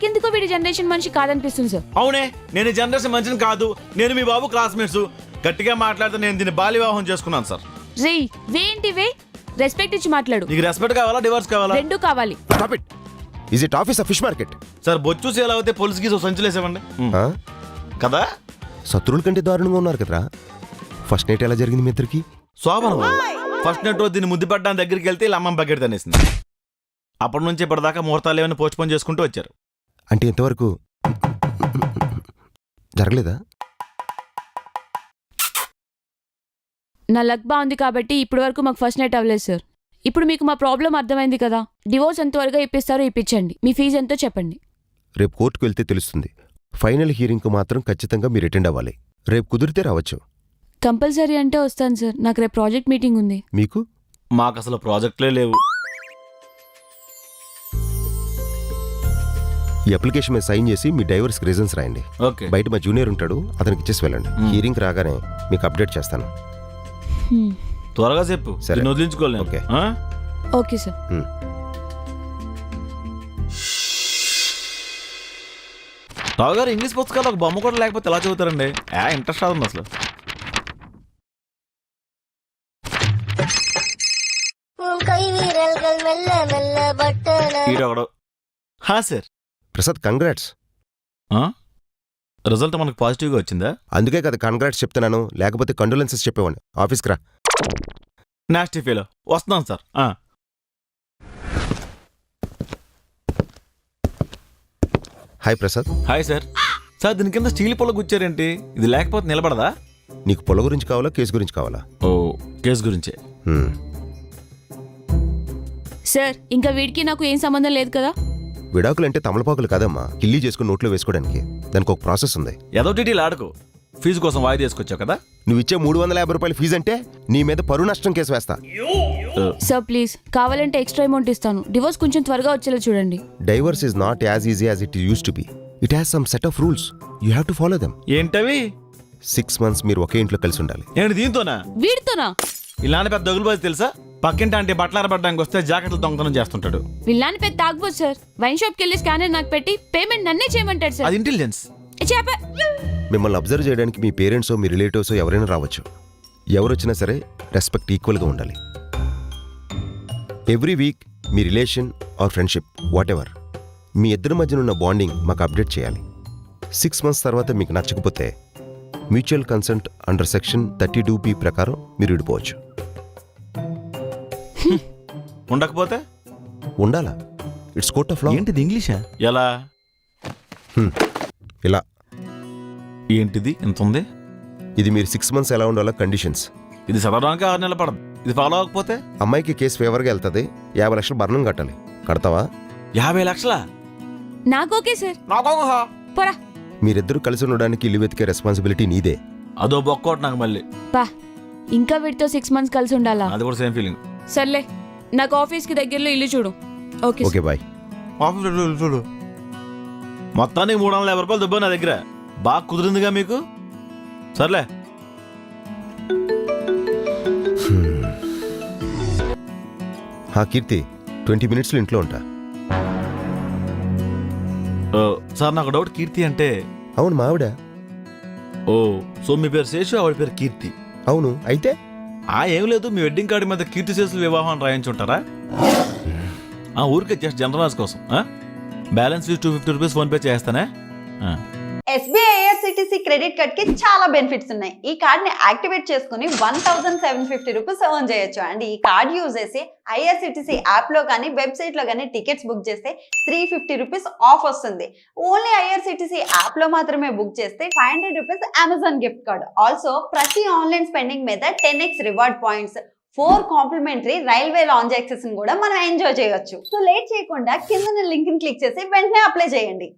నాకెందుకో వీడి జనరేషన్ మనిషి కాదనిపిస్తుంది సార్. అవునే, నేను ఈ జనరేషన్ మంచిని కాదు. నేను మీ బాబు క్లాస్మేట్స్. గట్టిగా మాట్లాడితే నేను దీన్ని బాల్య వివాహం చేసుకున్నాను సార్. రే వేంటి వే, రెస్పెక్ట్ ఇచ్చి మాట్లాడు. నీకు రెస్పెక్ట్ కావాలా, డివోర్స్ కావాలా? రెండు కావాలి. Stop it. Is it office of fish market? Sir బొచ్చు ఎలా అయితే పోలీసుకి సంచులేసేవండి కదా. శత్రువుల కంటే దారుణంగా ఉన్నారు కదరా. ఫస్ట్ నైట్ ఎలా జరిగింది మీ ఇద్దరికి? శోభన ఫస్ట్ నైట్ రోజు దీన్ని ముద్దు పడ్డానికి దగ్గరికి వెళ్తే ఇలా అమ్మమ్మ బకెట్ తనేసింది. అప్పటి నుంచి ఇప్పటిదాకా ముహూర్తాలు ఏమైనా పోస్ట్పోన్ చేసుకుంటూ వచ్చారు. అంటే ఇంతవరకు జరగలేదా? నా లక్ బాగుంది కాబట్టి ఇప్పటి వరకు మాకు ఫస్ట్ నైట్ అవ్వలేదు సార్. ఇప్పుడు మీకు మా ప్రాబ్లం అర్థమైంది కదా. డివోర్స్ ఎంత త్వరగా ఇప్పిస్తారో ఇప్పించండి. మీ ఫీజు ఎంతో చెప్పండి. రేపు కోర్టుకు వెళ్తే తెలుస్తుంది. ఫైనల్ హియరింగ్కు మాత్రం ఖచ్చితంగా మీరు అటెండ్ అవ్వాలి. రేపు కుదిరితే రావచ్చు. కంపల్సరీ అంటే వస్తాను సార్. నాకు రేపు ప్రాజెక్ట్ మీటింగ్ ఉంది. మీకు? మాకు అసలు ప్రాజెక్టులే లేవు. ఈ అప్లికేషన్ మీద సైన్ చేసి మీ డైవర్స్ రీజన్స్ రాయండి. ఓకే. బయట మా జూనియర్ ఉంటాడు, అతనికి ఇచ్చేసి వెళ్ళండి. హియరింగ్ రాగానే మీకు అప్డేట్ చేస్తాను. త్వరగా చెప్పు. సరే. నేను వదిలించుకోలేను. Okay. Okay sir. Rao garu English పుస్తకాలు ఒక బొమ్మ కూడా లేకపోతే ఎలా చదువుతారండి? ఇంట్రెస్ట్ రాదు అసలు. హా సార్. ప్రసాద్ కంగ్రాట్స్. రిజల్ట్ మనకు పాజిటివ్గా వచ్చిందా? అందుకే కదా కంగ్రాట్స్ చెప్తున్నాను, లేకపోతే కండోలెన్సెస్ చెప్పేవాడిని. ఆఫీస్కి రా. నాస్టీ ఫీలో వస్తున్నాను sir. Hi Prasad. Hi sir. Sir దీని కింద స్టీల్ పొల గుచ్చారేంటి? ఇది లేకపోతే నిలబడదా? నీకు పొల గురించి కావాలా, కేసు గురించి కావాలా? ఓ, కేసు గురించే. సార్ ఇంకా వీడికి నాకు ఏం సంబంధం లేదు కదా. విడాకులంటే తమలపాకులు కాదమ్మా, కిల్లీ చేసుకుని నోట్లో వేసుకోవడానికి. దానికి ఒక ప్రాసెస్ ఉంది. ఏదో టీటీలు ఆడుకో. ఫీజు కోసం వాయిదా తీసుకొచ్చావు కదా. నువ్వు ఇచ్చే 350 రూపాయల ఫీజు అంటే నీ మీద పరువు నష్టం కేసు వేస్తా. సార్ ప్లీజ్, కావాలంటే ఎక్స్ట్రా అమౌంట్ ఇస్తాను. డివోర్స్ కొంచెం త్వరగా వచ్చేలా చూడండి. Divorce is not as easy as it used to be. It has some set of rules. You have to follow them. ఏంటవి? 6 months మీరు ఒకే ఇంట్లో కలిసి ఉండాలి. ఏంటి దీంతోనా? వీడితోనా? ఇలాంటి పెద్ద దొగులుబాజు తెలుసా? పక్కింటి అంటే బట్టలు ఆరబడ్డానికి వస్తే జాకెట్లు దొంగతనం చేస్తుంటాడు. వీళ్ళని పెద్ద తాగబోదు సార్. వైన్ షాప్కి వెళ్ళి స్కానర్ నాకు పెట్టి పేమెంట్ నన్నే చేయమంటాడు సార్. అది ఇంటెలిజెన్స్. మిమ్మల్ని అబ్జర్వ్ చేయడానికి మీ పేరెంట్సో మీ రిలేటివ్సో ఎవరైనా రావచ్చు. ఎవరొచ్చినా సరే రెస్పెక్ట్ ఈక్వల్గా ఉండాలి. ఎవ్రీ వీక్ మీ relation or friendship whatever, మీ ఇద్దరి మధ్యన ఉన్న బాండింగ్ మాకు అప్డేట్ చేయాలి. 6 months తర్వాత మీకు నచ్చకపోతే mutual consent under section 32B ప్రకారం మీరు విడిపోవచ్చు. ఉండకపోతే ఉండాలా. It's court of law. ఏంటిది ఇంగ్లీషా? ఎలా? ఇలా. ఏంటిది ఇంత ఉంది? ఇది మీరు 6 months ఎలా ఉండాలో కండిషన్స్. ఇది చదవడానికి 6 నెలలు పడదు. ఇది ఫాలో అవ్వకపోతే అమ్మాయికి కేసు ఫేవర్గా వెళ్తుంది. 50 లక్షలు భరణం కట్టాలి. కడతావా? 50 లక్షలా? నాకు ఓకే సార్. పోరా. మీరిద్దరూ కలిసి ఉండడానికి ఇల్లు వెతికే రెస్పాన్సిబిలిటీ నీదే. అదో బొక్కోటి నాకు మళ్ళీ. పా, ఇంకా వీడితో 6 months కలిసి ఉండాలా? అది కూడా సేమ్ ఫీలింగ్. సర్లే, నాకు ఆఫీస్కి దగ్గరలో ఇల్లు చూడు. Okay okay bye. ఆఫీస్ చూడు. మొత్తానికి 350 రూపాయలు దుబ్బా నా దగ్గర. బాగా కుదిరిందిగా మీకు. సర్లే. కీర్తి, 20 minutes ఇంట్లో ఉంటా. సార్ నాకు డౌట్. కీర్తి అంటే? అవును, మా ఆవిడ. ఓ, సో మీ పేరు శేషు, ఆవిడ పేరు కీర్తి. అవును. అయితే ఏం లేదు, మీ వెడ్డింగ్ కార్డు మీద కీర్తి శేషుల వివాహం రాయించుంటారా? ఊరికే జస్ట్ జనరల్ కోసం. బ్యాలెన్స్ 250 రూపీస్ ఫోన్ పే చేస్తానే. SBI IRCTC క్రెడిట్ కార్డ్ కి చాలా బెనిఫిట్స్ ఉన్నాయి. ఈ కార్డ్ ని యాక్టివేట్ చేసుకుని 1750 రూపీస్ ఎర్న్ చేయొచ్చు. అండ్ ఈ కార్డ్ యూజ్ చేసి IRCTC యాప్ లో కానీ వెబ్సైట్ లో కానీ టికెట్స్ బుక్ చేస్తే 350 రూపీస్ ఆఫ్ వస్తుంది. ఓన్లీ IRCTC యాప్ లో మాత్రమే బుక్ చేస్తే 500 rupees Amazon gift card. Also ప్రతి ఆన్లైన్ స్పెండింగ్ మీద 10x reward points, 4 complimentary railway lounge access కూడా మనం ఎంజాయ్ చేయొచ్చు. సో లేట్ చేయకుండా కింద లింక్ ని క్లిక్ చేసి వెంటనే అప్లై చేయండి.